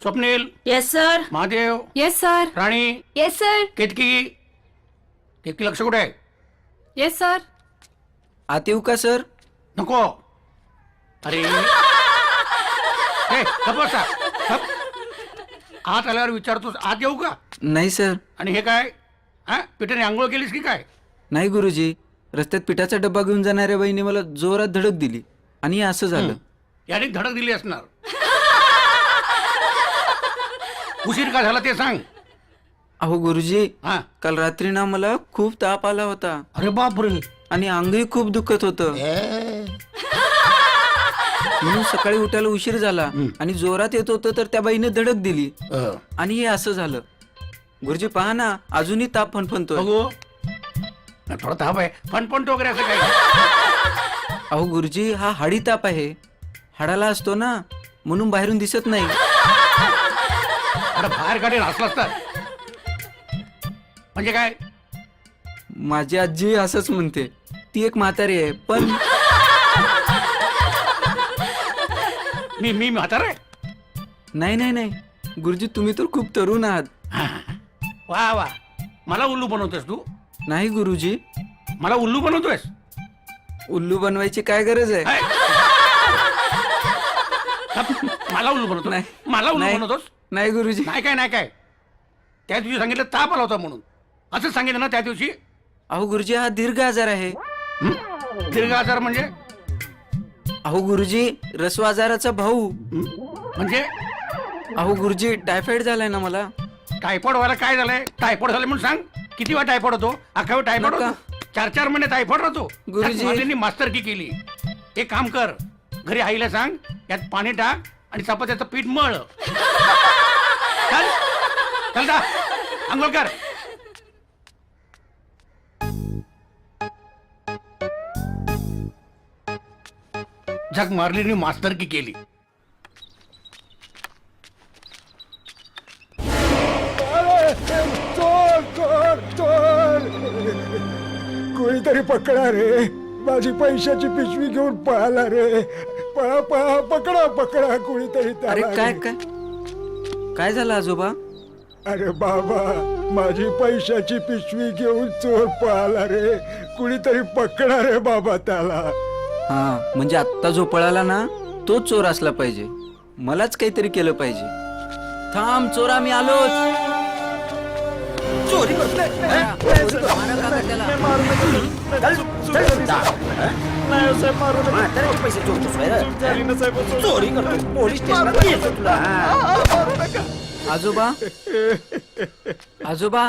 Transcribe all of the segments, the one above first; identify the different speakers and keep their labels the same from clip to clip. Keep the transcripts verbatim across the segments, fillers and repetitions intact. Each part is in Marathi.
Speaker 1: Swapnil.
Speaker 2: Yes sir.
Speaker 1: Mahadev.
Speaker 2: Yes sir.
Speaker 1: Rani.
Speaker 2: Yes sir.
Speaker 1: Ketaki. Ketaki लक्ष कुठे आहे?
Speaker 2: Yes sir.
Speaker 3: आत येऊ का सर?
Speaker 1: नको. अरे हे गप्प बसा. गप्प. आत आल्यावर विचारतोस आत येऊ का?
Speaker 3: नाही सर.
Speaker 1: आणि हे काय? हा पिठाने आंघोळ केलीस की काय?
Speaker 3: नाही गुरुजी, रस्त्यात पिठाचा डब्बा घेऊन जाणाऱ्या बाईने मला जोरात धडक दिली आणि असं झालं.
Speaker 1: याने धडक दिली असणार. उशीर का झाला ते सांग.
Speaker 3: अहो गुरुजी,
Speaker 1: हा.
Speaker 3: काल रात्री ना मला खूप ताप आला होता
Speaker 1: अरे बापरे.
Speaker 3: आणि अंगही खूप दुखत होतं. म्हणून सकाळी उठायला उशीर झाला आणि जोरात येत होतं तर त्या बाईने धडक दिली आणि हे असं झालं. गुरुजी पहा ना, अजूनही ताप फणफणतोय.
Speaker 1: बघू. थोडा ताप आहे. फणफणतो वगैरे असं काय?
Speaker 3: अहो गुरुजी, हा हाडी ताप आहे. हाडाला असतो ना, म्हणून बाहेरून दिसत नाही.
Speaker 1: अरे बाहेर काढेल असला असतात म्हणजे काय?
Speaker 3: माझी आजी असंच म्हणते. ती एक म्हातारी आहे पण
Speaker 1: मी मी म्हातारा आहे?
Speaker 3: नाही नाही नाही गुरुजी, तुम्ही तर खूप तरुण आहात.
Speaker 1: वा वा. मला उल्लू बनवतोयस तू?
Speaker 3: नाही गुरुजी.
Speaker 1: मला उल्लू बनवतोयस?
Speaker 3: उल्लू बनवायची काय गरज आहे?
Speaker 1: हाय. मला उल्लू बनवतो?
Speaker 3: नाही.
Speaker 1: मला उल्लू
Speaker 3: नाही.
Speaker 1: बनवतोस?
Speaker 3: नाही गुरुजी.
Speaker 1: नाही काय नाही काय. त्या दिवशी सांगितलं ताप आला होता म्हणून. असं सांगितलं ना त्या दिवशी?
Speaker 3: अहो गुरुजी, हा दीर्घ आजार आहे.
Speaker 1: हं? दीर्घ आजार म्हणजे?
Speaker 3: अहो गुरुजी, रस्व आजाराचा भाऊ.
Speaker 1: हं? म्हणजे
Speaker 3: अहो गुरुजी, टायफॉइड झालाय ना मला.
Speaker 1: टायफॉइड व्हायला काय झालंय? टायफॉइड झालं म्हणून सांग. किती वेळा टायफॉइड होतो? अख्खा वेळ टायफॉइड
Speaker 3: नका.
Speaker 1: होतो? चार चार महिने टायफॉइड राहतो.
Speaker 3: गुरुजी.
Speaker 1: माझ्यांनी मास्तरकी केली. एक काम कर, घरी आईला सांग यात पाणी टाक आणि चपात्याचं पीठ मळ. चल चल जा आंघोळ कर. झक मारलीने मास्तरकी केली.
Speaker 4: चोर चोर चोर, कोणीतरी पकडा रे. माझी पैशाची पिशवी घेऊन पळाला रे. पळा पळा, पकडा पकडा कोणीतरी
Speaker 3: अरे
Speaker 4: त्याला
Speaker 3: काय
Speaker 4: रे.
Speaker 3: काय काय झालं आजोबा?
Speaker 4: अरे बाबा, माझी पैशाची पिशवी घेऊन चोर पळाला रे. कुणीतरी पकडा रे बाबा त्याला.
Speaker 3: हा म्हणजे आत्ता जो पळाला ना, तो चोर असला पाहिजे. मलाच काहीतरी केलं पाहिजे. थांब चोरा, मी आलोच. चोरी करतोय. मारा काका त्याला. आजोबा, आजोबा,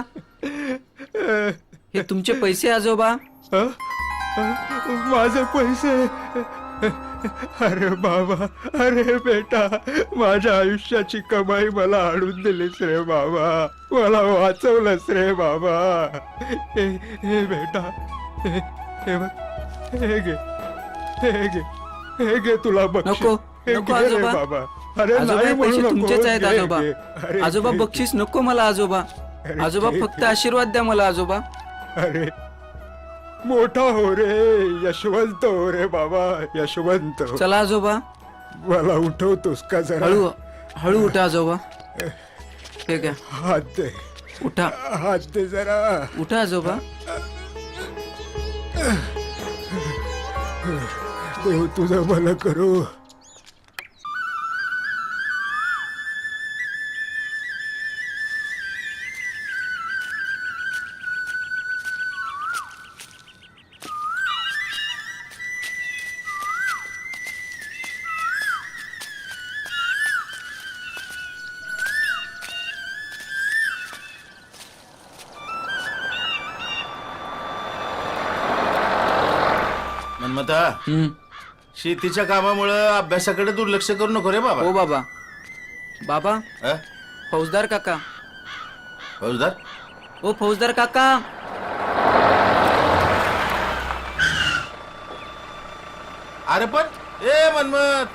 Speaker 3: हे तुमचे पैसे आजोबा.
Speaker 4: हं? माझे पैसे? अरे बाबा, अरे बेटा, माझ्या आयुष्याची कमाई मला आणून दिलीस रे बाबा. मला वाचवलंस रे बाबा. हे हे बेटा, हे हे बघ, हे घे, हे घे, हे घे तुला बक्षीस.
Speaker 3: नको,
Speaker 4: हे
Speaker 3: नको
Speaker 4: घे रे
Speaker 3: आजोबा.
Speaker 4: बाबा. अरे
Speaker 3: आजोबा,
Speaker 4: नाही
Speaker 3: हे
Speaker 4: म्हणू
Speaker 3: पैसे
Speaker 4: नको.
Speaker 3: तुमचेच आहेत
Speaker 4: घे,
Speaker 3: आजोबा.
Speaker 4: घे. अरे
Speaker 3: आजोबा
Speaker 4: घे,
Speaker 3: बक्षीस नको मला आजोबा.
Speaker 4: अरे
Speaker 3: आजोबा
Speaker 4: घे,
Speaker 3: फक्त
Speaker 4: घे.
Speaker 3: आशीर्वाद द्या मला आजोबा.
Speaker 4: अरे मोठा हो रे, यशवंत हो रे बाबा, यशवंत.
Speaker 3: चला आजोबा.
Speaker 4: मला उठवतोस का जरा?
Speaker 3: हळू हळू उठा आजोबा. ठीक आहे,
Speaker 4: हात दे,
Speaker 3: उठा
Speaker 4: हात दे जरा.
Speaker 3: उठा आजोबा.
Speaker 4: देव तुझं भलं करू.
Speaker 5: मनमता,
Speaker 3: हम्म.
Speaker 5: शेतीच्या कामामुळं अभ्यासाकडे दुर्लक्ष करू नको रे बाबा.
Speaker 3: हो बाबा. बाबा,
Speaker 5: अ?
Speaker 3: फौजदार काका.
Speaker 5: फौजदार?
Speaker 3: ओ फौजदार काका.
Speaker 5: अरे पण ए मनमत,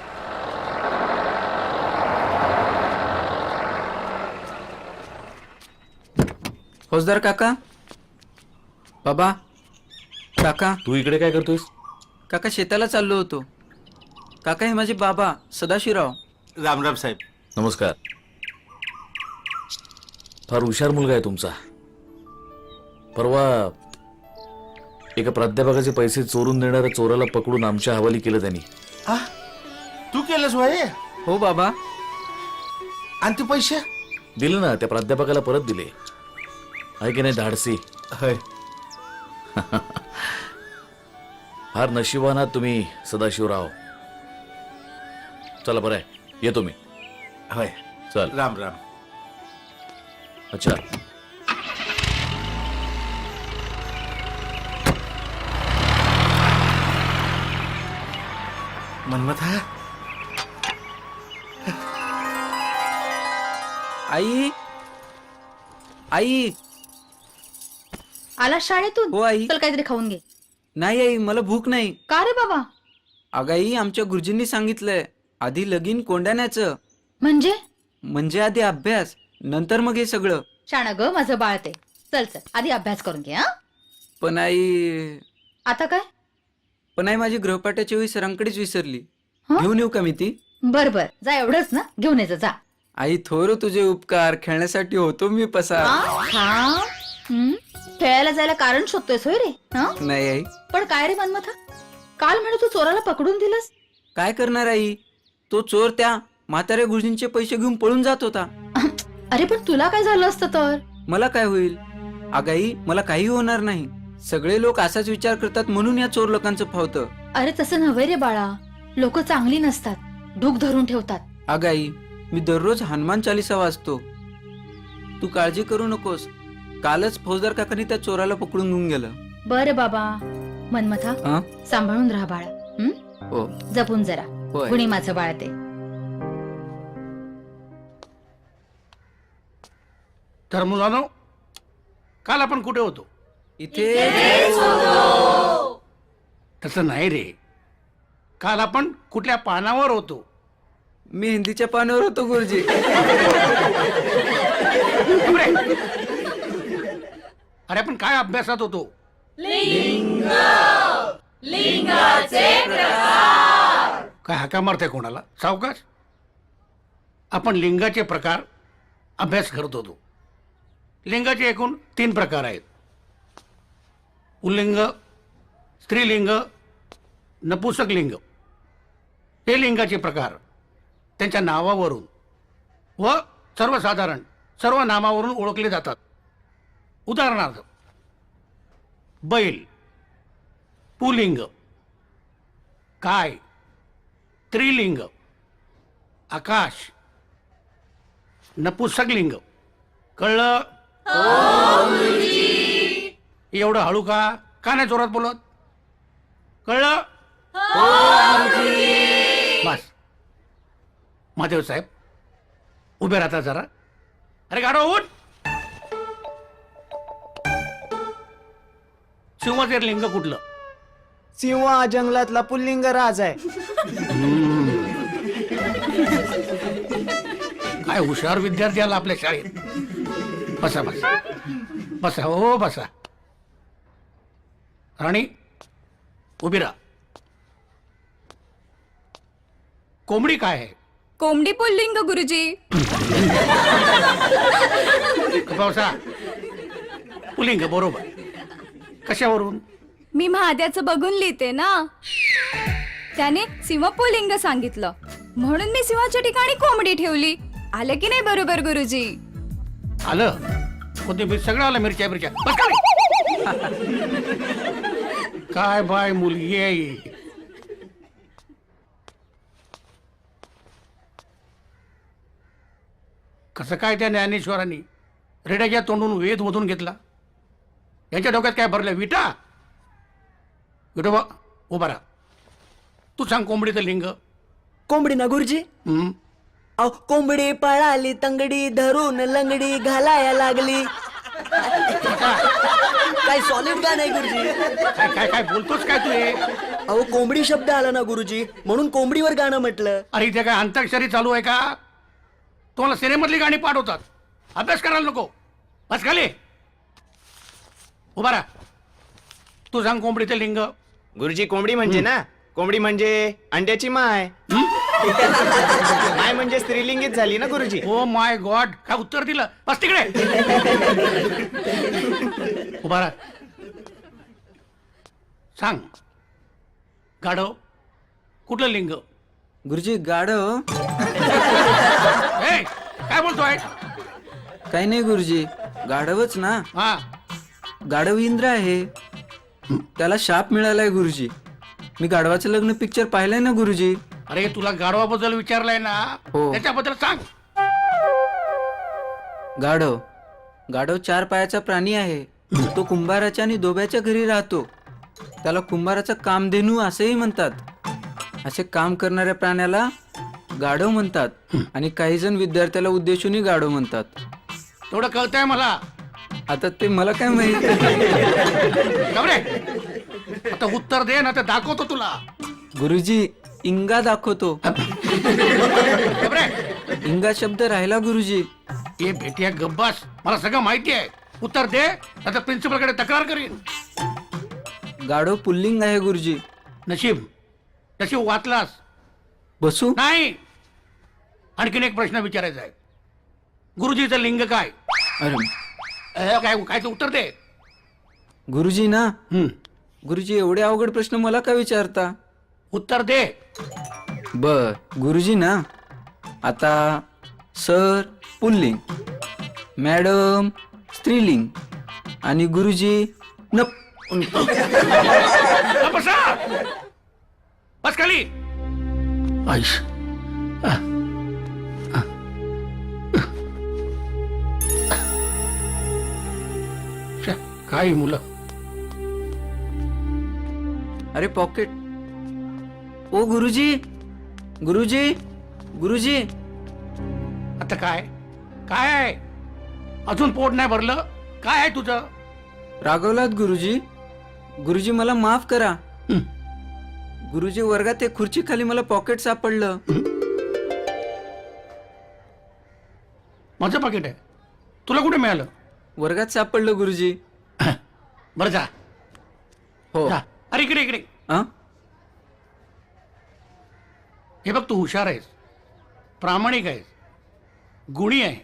Speaker 3: फौजदार काका. बाबा, काका.
Speaker 6: तू इकडे काय करतोयस?
Speaker 3: काका शेताला चाललो होतो. काका, हे माझे बाबा सदाशिवराव.
Speaker 5: रामराम साहेब.
Speaker 6: नमस्कार.
Speaker 2: फार हुशार मुलगा आहे तुमचा. परवा एका प्राध्यापकाचे पैसे चोरून देणाऱ्या चोराला पकडून आमच्या हवाली केलं त्यांनी.
Speaker 5: आ? तू केलंस भाई?
Speaker 3: हो बाबा.
Speaker 5: आणि ते पैसे
Speaker 2: दिले ना, त्या प्राध्यापकाला परत दिले. आहे की नाही धाडसी?
Speaker 5: होय.
Speaker 2: फार नशिबान आहात तुम्ही सदाशिवराव. चला बरं आहे, येतो मी.
Speaker 5: होय.
Speaker 2: चल.
Speaker 5: राम राम.
Speaker 2: अच्छा.
Speaker 5: मनमत हा
Speaker 3: आई आई.
Speaker 6: आला शाळेतून?
Speaker 3: हो आई.
Speaker 6: चल काहीतरी खाऊन घे.
Speaker 3: नाही आई, मला भूक नाही.
Speaker 6: का रे बाबा?
Speaker 3: अगं आई, आमच्या गुरुजींनी सांगितलंय आधी लगीन कोंडाण्याचं.
Speaker 6: म्हणजे
Speaker 3: म्हणजे आधी अभ्यास, नंतर मग हे सगळं.
Speaker 6: शाणा ग माझं बाळ ते. चल चल आधी अभ्यास करून घे. हा
Speaker 3: पण आई
Speaker 6: आता काय?
Speaker 3: पण आई माझी गृहपाठाची वही सरांकडेच विसरली.
Speaker 6: हं?
Speaker 3: घेऊन येऊ का मी ती?
Speaker 6: बर बर जा, एवढंच ना, घेऊन यायचं जा.
Speaker 3: आई थोर तुझे उपकार, खेळण्यासाठी होतो मी पसार.
Speaker 6: हा? हा? हं? खेळायला जायला कारण शोधतोयस होय रे? हा?
Speaker 3: नाही आई.
Speaker 6: पण काय रे मनमथा, काल म्हणे तू चोराला पकडून दिलंस.
Speaker 3: काय करणार आई, तो चोर त्या म्हाताऱ्या गुरुजींचे पैसे घेऊन पळून जात होता.
Speaker 6: अरे पण तुला काय झालं असतं तर?
Speaker 3: मला काय होईल आगाई, मला काही होणार नाही. सगळे लोक असाच विचार करतात म्हणून या चोर लोकांचं फावतं.
Speaker 6: अरे तसं नव्हे रे बाळा, लोक चांगली नसतात, डूक धरून ठेवतात.
Speaker 3: आगाई, मी दररोज हनुमान चालिसा वाचतो. तू काळजी करू नकोस. कालच फौजदार काकांनी त्या चोराला पकडून घेऊन गेलं.
Speaker 6: बरं बाबा. मनमथा
Speaker 3: हा?
Speaker 6: सांभाळून राहा बाळा. हं?
Speaker 3: हो.
Speaker 6: जपून जरा.
Speaker 3: होय.
Speaker 6: कुणी माझं बाळ ते.
Speaker 1: तर मुलांनो, काल आपण कुठे होतो?
Speaker 3: इथे
Speaker 1: तसं नाही रे, काल आपण कुठल्या पानावर होतो?
Speaker 3: मी हिंदीच्या पानावर होतो गुरुजी.
Speaker 1: अरे अरे, आपण काय अभ्यासात होतो? काय हाका मारते कोणाला? सावकाश. आपण लिंगाचे प्रकार अभ्यास करत होतो. लिंगाचे एकूण तीन प्रकार आहेत: पुल्लिंग, स्त्रीलिंग, नपुसक लिंग. हे लिंगाचे प्रकार त्यांच्या नावावरून व सर्वसाधारण सर्व नामावरून ओळखले जातात. उदाहरणार्थ, बैल पुलिंग, काय स्त्रीलिंग, आकाश नपुसक लिंग. कळलं? एवढं हळू का? का नाही जोरात बोलत? कळलं? बस. महादेव साहेब उभे राहता जरा. अरे गाडो उठ. सिंहाचे लिंग कुठलं?
Speaker 7: सिंह हा जंगलातला पुल्लिंग राज आहे.
Speaker 1: काय हुशार विद्यार्थी आला आपल्या शाळेत. बसा बसा बसा. हो बसा. राणी उभी राहा. कोंबडी काय आहे?
Speaker 8: कोंबडी पुल्लिंग गुरुजी.
Speaker 1: पावसा पुलिंग बरोबर. कशावरून?
Speaker 8: मी महाद्याचं बघून लिहिते ना, त्याने सिंह पुल्लिंग सांगितलं म्हणून मी सिंहाच्या ठिकाणी कोंबडी ठेवली. आलं की नाही बरोबर गुरुजी?
Speaker 1: आलं. कोथिंबीर सगळं आलं. मिरच्या मिरच्या. बस खाली. काय बाय मुलगी आहे. कसं काय त्या ज्ञानेश्वरांनी रेड्याच्या तोंडून वेद मधून घेतला? यांच्या डोक्यात काय भरलं? विटा. विठोबा उभा राहा. तू सांग कोंबडीचं लिंग.
Speaker 7: कोंबडी ना गुरुजी?
Speaker 1: हम्म.
Speaker 7: अहो, कोंबडी पळाली तंगडी धरून लंगडी घालाया लागली. काय सॉलिड गाणं आहे गुरुजी.
Speaker 1: काय काय काय बोलतोस काय तू हे?
Speaker 7: अहो, कोंबडी शब्द आला ना गुरुजी, म्हणून कोंबडीवर गाणं म्हटलं.
Speaker 1: अरे इथे काय अंताक्षरी चालू आहे का? तुम्हाला सिनेमातली गाणी पाठवतात. अभ्यास करायला नको. बस खाली. उभा राहा. तू सांग कोंबडीचं लिंग.
Speaker 9: गुरुजी कोंबडी म्हणजे ना, कोंबडी म्हणजे अंड्याची माय.
Speaker 1: हं?
Speaker 9: माय म्हणजे स्त्रीलिंगीच झाली ना गुरुजी.
Speaker 1: ओ माय गॉड, काय उत्तर दिलं? बस तिकडे उभा राहा. सांग, गाढव कुठलं लिंग?
Speaker 3: गुरुजी गाढव
Speaker 1: ए, काय बोलतोय?
Speaker 3: काही नाही गुरुजी, गाढवच ना.
Speaker 1: हा,
Speaker 3: गाढव इंद्र आहे, त्याला शाप मिळालाय गुरुजी. मी गाढवाचं लग्न पिक्चर पाहिलंय ना गुरुजी.
Speaker 1: अरे तुला गाढवाबद्दल विचारलंय ना,
Speaker 3: हो.
Speaker 1: त्याच्याबद्दल सांग.
Speaker 3: गाढव गाढव चार पायाचा प्राणी आहे. तो कुंभाराच्या आणि दोब्याच्या घरी राहतो. त्याला कुंभाराचा कामधेनू असेही म्हणतात. असे काम करणाऱ्या प्राण्याला गाढव म्हणतात आणि काही जण विद्यार्थ्याला उद्देशूनही गाढव म्हणतात.
Speaker 1: तेवढं कळतंय मला.
Speaker 3: आता ते मला काय माहित.
Speaker 1: गबरे, आता उत्तर दे ना, तर दाखवतो तुला.
Speaker 3: गुरुजी इंगा दाखवतो.
Speaker 1: गबरे,
Speaker 3: इंगा शब्द राहिला गुरुजी.
Speaker 1: ये भेटिया गब्बास, मला सगळं माहिती आहे. उत्तर दे, आता प्रिन्सिपल कडे तक्रार करीन.
Speaker 3: गाढव पुल्लिंग आहे गुरुजी.
Speaker 1: नशीब नशीब वाचलास.
Speaker 3: बसू.
Speaker 1: नाही, आणखीन एक प्रश्न विचारायचा आहे. गुरुजीचं लिंग काय?
Speaker 3: अरे
Speaker 1: अ, काय काय ते उत्तर दे.
Speaker 3: गुरुजी ना.
Speaker 1: हम्म,
Speaker 3: गुरुजी एवढे अवघड प्रश्न मला का विचारता.
Speaker 1: उत्तर दे.
Speaker 3: बर गुरुजी ना. आता सर पुल्लिंग, मॅडम स्त्रीलिंग आणि गुरुजी नप.
Speaker 1: अ, बसा. बस खाली. आईश. अ, अ. श्या, काय ही मुलं.
Speaker 3: अरे पॉकेट. ओ गुरुजी गुरुजी गुरुजी.
Speaker 1: आता काय काय आहे? अजून पोट नाही भरलं? काय आहे तुझं?
Speaker 3: रागवलात गुरुजी. गुरुजी मला माफ करा.
Speaker 1: हं.
Speaker 3: गुरुजी वर्गात एक खुर्ची खाली मला पॉकेट सापडलं.
Speaker 1: माझं पाकिट आहे. तुला कुठे मिळालं?
Speaker 3: वर्गात सापडलं गुरुजी.
Speaker 1: बरं जा.
Speaker 3: हो.
Speaker 1: जा. अरे इकडे इकडे.
Speaker 3: अं?
Speaker 1: हे बघ, तू हुशार आहेस, प्रामाणिक आहेस, गुणी आहे.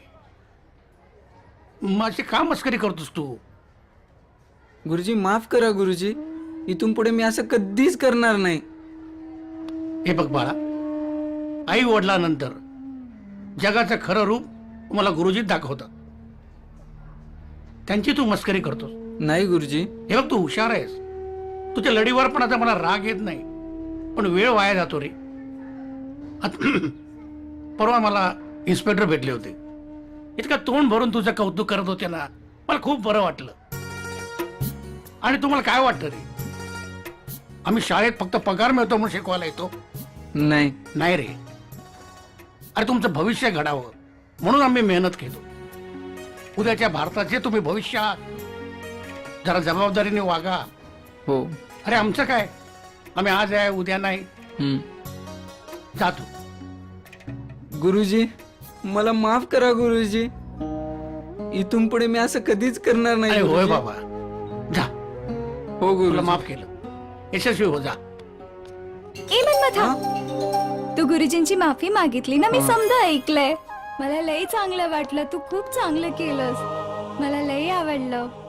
Speaker 1: माझी का मस्करी करतोस तू?
Speaker 3: गुरुजी माफ करा गुरुजी. इथून पुढे मी असं कधीच करणार नाही.
Speaker 1: हे बघ बाळा, आई वडिलांनंतर जगाचं खरं रूप मला गुरुजीत दाखवतात. त्यांची तू मस्करी करतोस.
Speaker 3: नाही गुरुजी.
Speaker 1: हे बघ, तू हुशार आहेस, तुझ्या लढीवर पण आता मला राग येत नाही, पण वेळ वाया जातो रे. आता परवा मला इन्स्पेक्टर भेटले होते. इतका तोंड भरून तुझं कौतुक करत होते ना, मला खूप बरं वाटलं. आणि तुम्हाला काय वाटतं रे? आम्ही शाळेत फक्त पगार मिळतो म्हणून शिकवायला येतो?
Speaker 3: नाही.
Speaker 1: नाही रे. अरे तुमचं भविष्य घडावं म्हणून आम्ही मेहनत घेतो. उद्याच्या भारताचे तुम्ही भविष्य आहात. जरा जबाबदारीने वागा.
Speaker 3: हो.
Speaker 1: अरे आमचं काय, आम्ही आज आहे उद्या नाही.
Speaker 3: हं.
Speaker 1: जातो.
Speaker 3: गुरुजी मला माफ करा गुरुजी. इथून पुढे मी असं कधीच करणार नाही.
Speaker 1: अरे होय
Speaker 3: गुरुजी.
Speaker 1: बाबा, जा.
Speaker 3: हो
Speaker 1: तुला
Speaker 3: गुरुजी.
Speaker 1: माफ केलं. यशस्वी हो, जा.
Speaker 8: ए मन्मथा, तू गुरुजींची माफी मागितली ना, मी समजा ऐकलंय. मला लय चांगलं वाटलं. तू खूप चांगलं केलंस. मला लय आवडलं.